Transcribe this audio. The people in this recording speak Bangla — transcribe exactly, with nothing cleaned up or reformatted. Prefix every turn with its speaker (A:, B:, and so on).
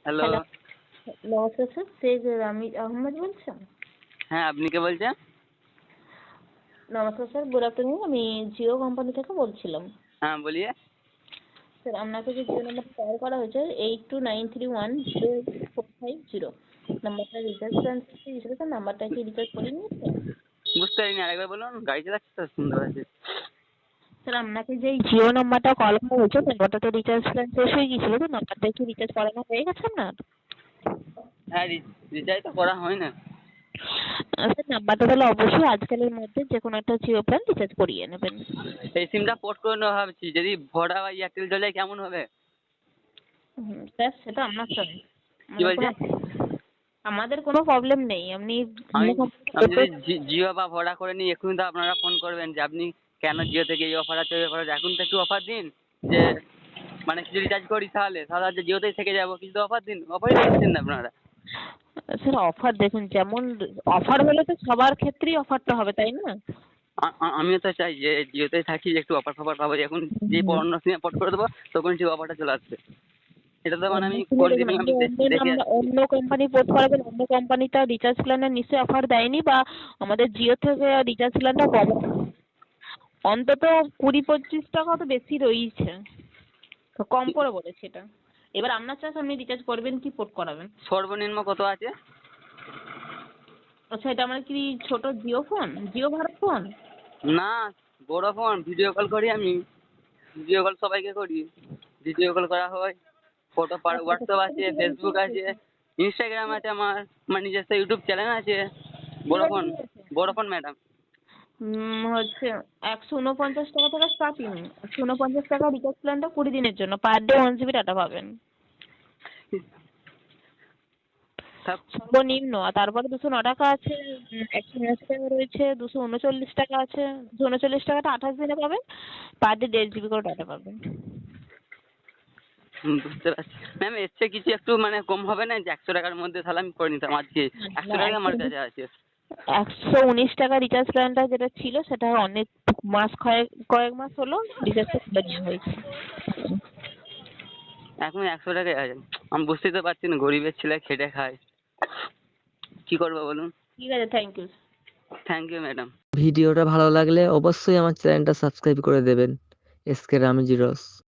A: হ্যালো।
B: হ্যালো, নমস্কার স্যার, শেখ রামিজ আহমেদ বলছেন?
A: হ্যাঁ, আপনি কে বলছেন?
B: নমস্কার স্যার, গুড আফটারনুন। আমি জিও কোম্পানি থেকে বলছিলাম।
A: হ্যাঁ, বলিয়ে।
B: স্যার, আপনাকে যে জিও নাম্বারটা কল করা হয়েছে eight two nine three one zero four five zero নাম্বারটা রিচার্জ প্ল্যান দিয়েছিল স্যার, নাম্বারটা কি রিচার্জ করে নিয়েছে?
A: বুঝতে পারিনি, আরেকবার বলুন। গাড়ি চালাচ্ছি তো, শুনতে পাচ্ছি।
B: স্যার, আপনাকে যে জিও নাম্বারটা কল করা হয়েছে নাম্বারটা তো রিচার্জ প্ল্যান শেষ হয়ে গিয়েছিল, তো নাম্বারটা কি রিচার্জ করানো হয়ে গেছে আপনার?
A: হ্যাঁ, রিচার্জ তো করা হয় না।
B: স্যার, নাম্বারটা তাহলে অবশ্যই আজকালের মধ্যে যে কোনো একটা জিও প্ল্যান রিচার্জ করিয়ে নেবেন।
A: এই সিমটা পোর্ট করে নেওয়া ভাবছি, যদি ভোডা বা এয়ারটেল চলে যায় কেমন হবে?
B: হুম, স্যার সেটা আপনার চয়েস।
A: কি বলছেন?
B: আমাদের কোনো প্রবলেম নেই, আপনি
A: আমি আমি যদি জিও বা ভোডা করে নিই, এক্ষুনি তো আপনারা ফোন করবেন যে আপনি কেন জিও থেকে এই অফার আছে ওই অফার আছে। এখন তো একটু অফার দিন, যে মানে কিছু রিচার্জ করি তাহলে তাহলে হচ্ছে জিওতেই থেকে যাবো, কিছু অফার দিন। অফারই দিচ্ছেন না আপনারা।
B: স্যার, অফার দেখুন, যেমন অফার হলে তো সবার ক্ষেত্রেই অফারটা হবে, তাই না?
A: আ- আ- আমিও তো চাই যে জিওতেই থাকি, একটু অফার ফফার পাবো। এখন যে অন্য সিমে পোর্ট করে দেবো তখন সেই অফারটা চলে আসবে। এটা তো মানে
B: অন্য
A: আমি
B: সিমে দেখুন,
A: কন্টিনিউ
B: আপনি
A: আমি দে-
B: অন্য
A: দেখে
B: নাম্বার
A: আসছি।
B: অন্য কোম্পানি পোর্ট করাবেন, অন্য কোম্পানিটা রিচার্জ প্ল্যানের নিশ্চয়ই অফার দেয়নি, বা আমাদের জিও থেকে রিচার্জ প্ল্যানটা কম, অন্তত কুড়ি পঁচিশ টাকা তো বেশি রয়েছে, তো কম করে বলেছে এটা। এবার আপনার চাষ, আপনি রিচার্জ করবেন কি পোর্ট করাবেন।
A: সর্বনিম্ন কত আছে?
B: আচ্ছা, এটা আমার কি ছোট জিও ফোন, জিও ভারত ফোন?
A: না, বড় ফোন। ভিডিও কল করি আমি, ভিডিও কল সবাইকে করি। ভিডিও কল করা হয়, ফটো পার,
B: আচ্ছা,
A: হোয়াটসঅ্যাপ
B: আচ্ছা,
A: আছে,
B: কি বলছি?
A: ফেসবুক আছে, ইনস্টাগ্রাম আছে, আমার আমার নিজস্ব ইউটিউব চ্যানেল আছে। বড় ফোন, বড় ফোন ম্যাডাম।
B: উম, হচ্ছে একশো উনপঞ্চাশ টাকা থেকে স্টার্টিং। একশো উনপঞ্চাশ টাকা রিচার্জ প্ল্যানটা কুড়ি দিনের জন্য, per day one GB data পাবেন সর্বনিম্ন। আর তারপরে দুশো ন টাকা আছে, উম, একশো উনআশি টাকা রয়েছে, দুশো উনচল্লিশ টাকা আছে। দুশো উনচল্লিশ টাকাটা আঠাশ দিনে পাবেন, পার ডে দেড় জিবি করে ডাটা পাবেন।
A: হুম, বুঝতে পারছি ম্যাম। এর চেয়ে কিছু একটু মানে কম হবে না? যে একশো টাকার মধ্যে তাহলে আমি করে নিতাম আজকে। একশো টাকা আমার কাছে আছে।
B: একশো উনিশ টাকা রিচার্জ প্ল্যানটা যেটা ছিল সেটা অনেক মাস, কয়েক কয়েক মাস হলো রিচার্জটা খুলে নেওয়া হয়েছে।
A: এখন একশো টাকায় আছে। আমি বুঝতেই তো পারছি না, গরিবের ছেলে খেটে খায়, কি করবো বলুন।
B: ঠিক আছে, thank you.
A: Thank you madam.
C: ভিডিওটা ভালো লাগলে অবশ্যই আমার চ্যানেলটা সাবস্ক্রাইব করে দেবেন। এস কে রামিজি রস।